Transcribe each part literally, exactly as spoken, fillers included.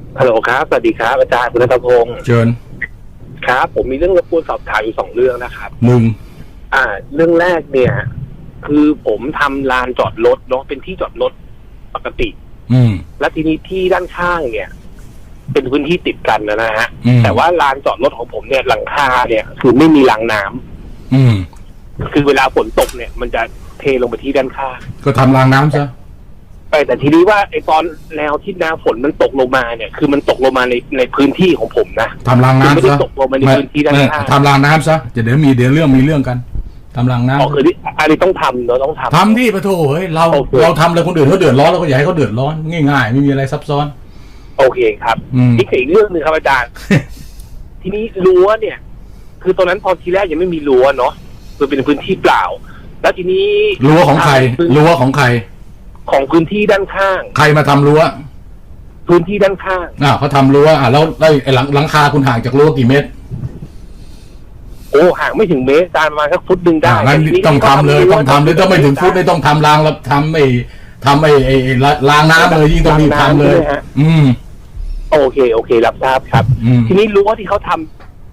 ฮัลโหลครับสวัสดีครับอาจารย์คุณณัฐพงศ์เชิญครับผมมีเรื่องรบกวนสอบถามอยู่สองเรื่องนะครับหนึ่งอ่า เรื่องแรกเนี่ย คือผมทำลานจอดรถเนาะเป็นที่จอดรถปกติอืมแล้วทีนี้ที่ด้านข้างเนี่ย เป็นพื้นที่ติดกันนะฮะแต่ว่าลานจอดรถของผมเนี่ยหลังคาเนี่ยคือไม่มีรางน้ำอืมคือเวลาฝนตกเนี่ย มันจะเทลงไปที่ด้านข้างก็ทำรางน้ำซะไปแต่ทีนี้ว่าไอ้ตอนแนวที่น้ำฝนมันตกลงมาเนี่ยคือมันตกลงมาในในพื้นที่ของผมนะทำรางน้ำซะไม่ได้ตกลงมาในพื้นที่ด้านข้างทำรางน้ำซะจะเดี๋ยวมีเดี๋ยวเรื่องมีเรื่องกันทำรางน้ำอ๋อคืออันนี้ต้องทำเนาะต้องทำทำที่ปะโถเฮ้ยเราเราทำเลยคนอื่นเขาเดือดร้อนเราก็อย่าให้เขาเดือดร้อนง่ายๆไม่มีอะไรซับซ้อนโอเคครับนี่อีกเรื่องหนึ่งครับอาจารย์ ทีนี้รั้วเนี่ย คือตอนนั้นพอทีแรกยังไม่มีรั้วเนาะคือเป็นพื้นที่เปล่า แล้วทีนี้รั้วของใครรั้วของใครของพื้นที่ด้านข้างใครมาทำรั้วพื้นที่ด้านข้างอ่าเขาทำรั้วอ่าแล้วแล้วไอ้หลังหลังคาคุณห่างจากรั้วกี่เมตรโอ้ห่างไม่ถึงเมตรการมาสักฟุตหนึ่งได้งั้นต้องทำเลยต้องทำเลยต้องไม่ถึงฟุตไม่ต้องทำรางแล้วทำไอ้ทำไอ้ไอ้รางน้ำเลยยิ่งต้องรีบทำเลยอืมโอเคโอเครับทราบครับทีนี้รั้วที่เขาทำ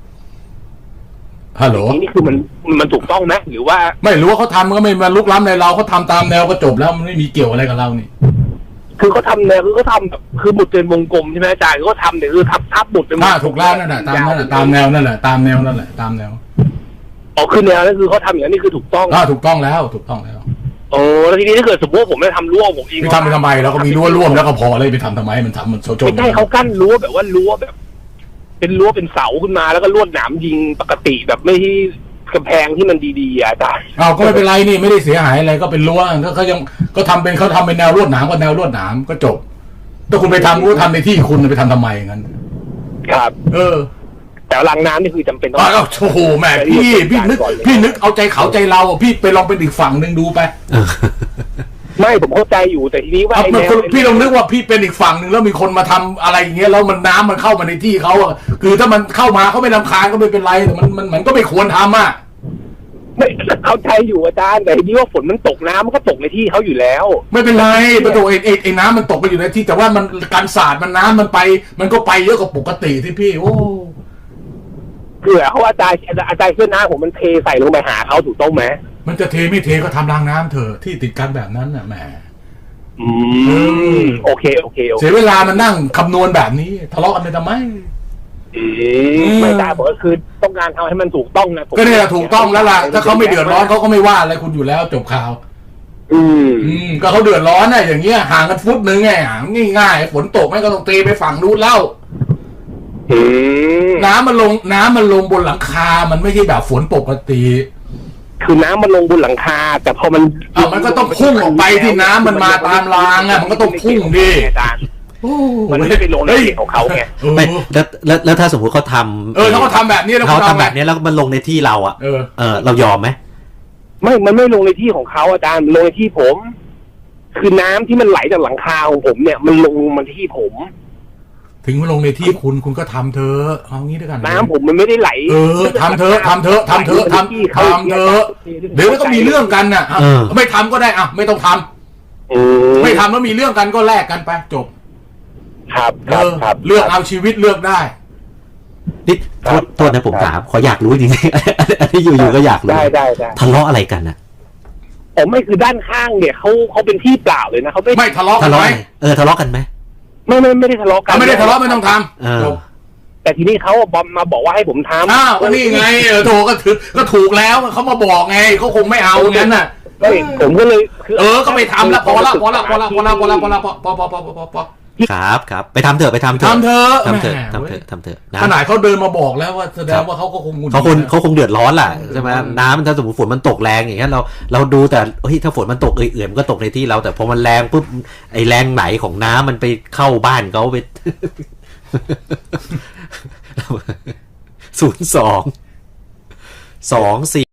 ฮัลโหลนี่คือมันมันถูกต้องไหมหรือว่าไม่รู้ว่าเขาทำก็ไม่มาลุกล้ำในเราเขาทาตามแนวก็จบแล้วมันไม่มีเกี่ยวอะไรกับเรานี่คือเขาทำแนวคือเขาทำคือหมุดเป็นวงกลมใช่ไหมอาจารย์เขาทำเนี่ยคือทับทับหมุดเป็นอ่าถูกแล้วนั่นแหละตามนั่นแหละตามแนวนั่นแหละตามแนวนั่นแหละตามแนวอ๋อคือแนวนั่นคือเขาทำอย่างนี้คือถูกต้องอ่าถูกต้องแล้วถูกต้องแล้วโอ้แล้วทีนี้ถ้าเกิดสมมติว่าผมไม่ทำรั้วผมเองไปทำไปทำไมเราก็มีรั้วร่วมแล้วก็พอเลยไปทำทำไมมันทำมันโจมไม่ใช่เขากั้นรั้วแบบว่ารั้วแบบเป็นรั้วเป็นเสาขึ้นมาแล้วก็ลวดหนามยิงปกติแบบไม่ที่กำแพงที่มันดีๆอาจารย์อ้าวก็ไม่เป็นไรนี่ไม่ได้เสียหายอะไรก็เป็นรั้วก็เขายังก็ทำเป็นเขาทำเป็นแนวลวดหนามก็แนวลวดหนามก็จบถ้าคุณไปทำก็ทำในที่คุณไปทำทำไมงั้นครับเออแต่รางน้ำนี่คือจำเป็นต้องอ้าวโอ้โหแม่พี่พี่นึกพี่นึกเอาใจเขาใจเราพี่ไปลองเป็นอีกฝั่งหนึ่งดูไปไม่ผมเข้าใจอยู่แต่ทีนี้ว่าพี่ลองนึกว่าพี่เป็นอีกฝั่งหนึ่งแล้วมีคนมาทำอะไรอย่างเงี้ยแล้วมันน้ำมันเข้ามาในที่เขาอ่ะคือถ้ามันเข้ามาเขาไม่รำคาญก็ไม่เป็นไรแต่มันมันมันก็ไม่ควรทำอ่ะไม่เข้าใจอยู่อาจารย์แต่ทีนี้ว่าฝนมันตกน้ำมันก็ตกในที่เขาอยู่แล้วไม่เป็นไรประตูไอ้ไอ้น้ำมันตกไปอยู่ในที่แต่ว่ามันการสาดมันน้ำมันไปมันก็ไปเยอะกว่าปกติที่พี่โอ้คือเขาอาจารย์อาจารย์เสื้อน้ำผมมันเทใส่ลงไปหาเขาถูกต้องไหมมันจะเทไม่เทก็ทำรางน้ำเถอะที่ติดกันแบบนั้นน่ะแหมอืมโอเคโอเคเสียเวลามันนั่งคำนวณแบบนี้ทะเลาะกันไปทำไมไม่ได้บอกก็คือต้องการทำให้มันถูกต้องนะก็เนี่ยถูกต้องแล้วล่ะถ้าเขาไม่เดือดร้อนเขาก็ไม่ว่าอะไรคุณอยู่แล้วจบข่าวอืมอืมก็เขาเดือดร้อนน่ะอย่างเงี้ยห่างกันฟุตนึงไงง่ายๆฝนตกไม่ก็ต้องตีไปฝั่งนู้นแล้วน้ำมันลงน้ำมันลงบนหลังคามันไม่ใช่แบบฝนปกติคือน้ำมันลงบนหลังคาแต่พอมันอ่ะมันก็ต้องพุ่งออกไปที่น้ำมันมาตามรางอ่ะมันก็ต้องพุ่งดิมันไม่ได้ไปลงในที่ของเขาไงไม่แล้วแล้วแล้วถ้าสมมติเขาทำเออเขาก็ทำแบบนี้แล้วเขาทำแบบนี้แล้วมันลงในที่เราอ่ะเออเออเรายอมไหมไม่มันไม่ลงในที่ของเขาอาจารย์ลงในที่ผม คือน้ำที่มันไหลจากหลังคาของผมเนี่ยมันลงมาที่ผมถึงมาลงในที่คุณคุณก็ทำเถอะเอางี้ด้วยกันน้ำผมมันไม่ได้ไหลเออทำเถอะทำเถอะทำเถอะทำทำเถอะเดี๋ยวมันก็มีเรื่องกันน่ะไม่ทำก็ได้อ่ะไม่ต้องทำไม่ทำแล้วมีเรื่องกันก็แลกกันไปจบครับครับครับเลือกเอาชีวิตเลือกได้นี่โทษโทษนะผมถามขออยากรู้จริงๆอันนี้อยู่ๆก็อยากรู้ได้ได้ได้ทะเลาะอะไรกันนะผมไม่คือด้านข้างเนี่ยเขาเขาเป็นที่เปล่าเลยนะเขาไม่ไม่ทะเลาะกันไหมเออทะเลาะกันไหมไม่ไม่ไม่ได้ทะเลาะกันไม่ได้ทะเลาะไม่ต้องทำแต่ทีนี้เขาบอมมาบอกว่าให้ผมทำอ้าวก็นี่ไงเออโถก็ถือก็ถูกแล้วเขามาบอกไงเขาคงไม่เอางั้นน่ะผมก็เลยเออก็ไปทำแล้วพอละพอละพอละพอละพอละพอละพอพอพอพอพอพอครับครับไปทำเถอะไปทำเถอะทำเถอะทำเถอะทำเถอะทำเถอะขนาดเขาเดินมาบอกแล้วว่าแสดงว่าเขาก็คงเขาคงเขาคงเดือดร้อนแหละใช่ไหมน้ำถ้าสมมติฝนมันตกแรงอย่างเงี้ยเราเราดูแต่เฮ้ยถ้าฝนมันตกเอื่อยๆมันก็ตกในที่เราแต่พอมันแรงปุ๊บไอ้แรงไหนของน้ำมันไปเข้าบ้านเขาไปศูนย์สองสองสี่